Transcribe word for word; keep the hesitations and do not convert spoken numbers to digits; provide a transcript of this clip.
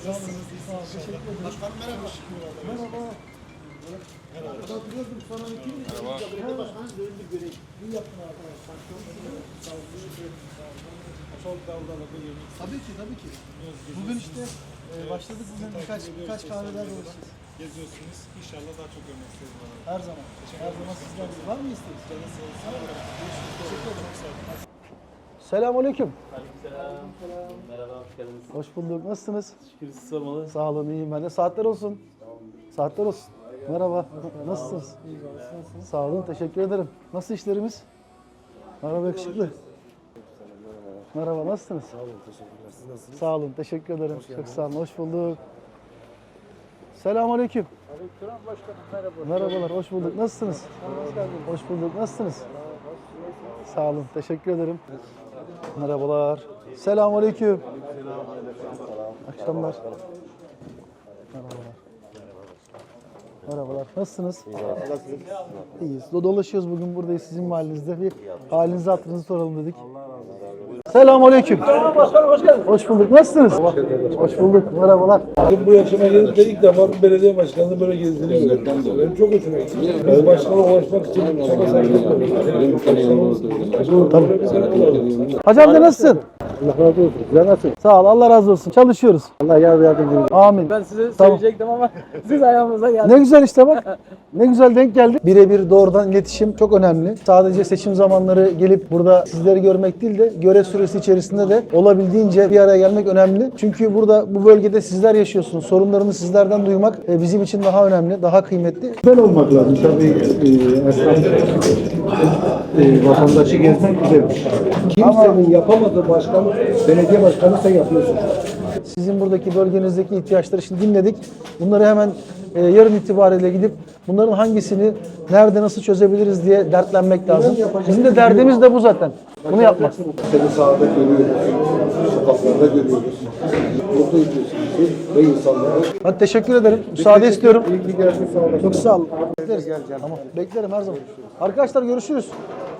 Nasılsınız? İyisiniz inşallah. Başkanım merhaba. Merhaba. Merhaba. Hatırlıyordum sana iki mi? Merhaba. Belediye başkanı döndü görev. İyi yaptın arkadaşlar. Çok iyi. Sağ olun. Çok dalgalı yemek. Tabii ki tabii ki. Bugün işte e, başladık bugün birkaç birkaç kahveler dolaşacağız. Geziyorsunuz. İnşallah daha çok görmek isteriz bana. Her zaman. Her zaman sizden var mı isteğiniz? Canı sağ olsun. Teşekkür ederim. Çok sağ olun. Selamünaleyküm. Aleykümselam. Merhaba, hoş geldiniz. Hoş bulduk. Nasılsınız? Şükür siz sormalı. Sağ olun, iyiyim ben de. Saatler olsun. Saatler olsun. Merhaba. Nasılsınız? Sağ olun, teşekkür ederim. Nasıl işlerimiz? Merhaba yakışıklı. Merhaba, nasılsınız? Sağ olun, teşekkürler. Siz nasılsınız? Sağ olun, teşekkür ederim. Çok sağ olun, hoş bulduk. Selamünaleyküm. Aleykümselam başkanım. Merhaba. Merhabalar, hoş bulduk. Nasılsınız? Hoş bulduk. Nasılsınız? Sağ olun, teşekkür ederim. Merhabalar. Selamünaleyküm. Akşamlar. Merhabalar. Merhabalar. Nasılsınız? İyiyiz. Dolaşıyoruz bugün buradayız sizin mahallenizde. Bir halinizi hatırınızı soralım dedik. Selamünaleyküm. Başkanım hoş geldin. Hoş bulduk. Nasılsınız? Hoş bulduk. Merhabalar. Bu yaşıma gelip de ilk defa bir belediye başkanının böyle gezdiğini gördüm. Benim çok hoşuma gitti. Biz başkana ulaşmak için çaba sarf ediyoruz. Hacı amca nasılsın? Allah razı olsun. Güzel nasıl? Sağ ol. Allah razı olsun. Çalışıyoruz. Allah yardımcınız olsun. Amin. Ben size Tamam. söyleyecektim ama siz ayağımıza geldiniz. Ne güzel işte bak. Ne güzel denk geldi. Birebir doğrudan iletişim çok önemli. Sadece seçim zamanları gelip burada sizleri görmek değil de görev süresi içerisinde de olabildiğince bir araya gelmek önemli. Çünkü burada bu bölgede sizler yaşıyorsunuz. Sorunlarını sizlerden duymak e, bizim için daha önemli, daha kıymetli. Güzel olmak lazım. Tabii e, esnaf, e, vatandaşı gezmek güzel. Kimsenin yapamadığı başkan, belediye başkanı sen yapıyorsun. Sizin buradaki bölgenizdeki ihtiyaçları şimdi dinledik. Bunları hemen e, yarın itibariyle gidip bunların hangisini nerede nasıl çözebiliriz diye dertlenmek lazım. Bizim de derdimiz de bu zaten. Bunu yapmak. Seni sahada görüyoruz, sokaklarda görüyoruz. Mutlu ediyorsun bizi ve insanları. Hadi teşekkür ederim. Müsaade istiyorum. İyi ki geldin, sağ olasın. Çok sağ olun. Bekleriz. Tamam. Beklerim her zaman. Arkadaşlar görüşürüz.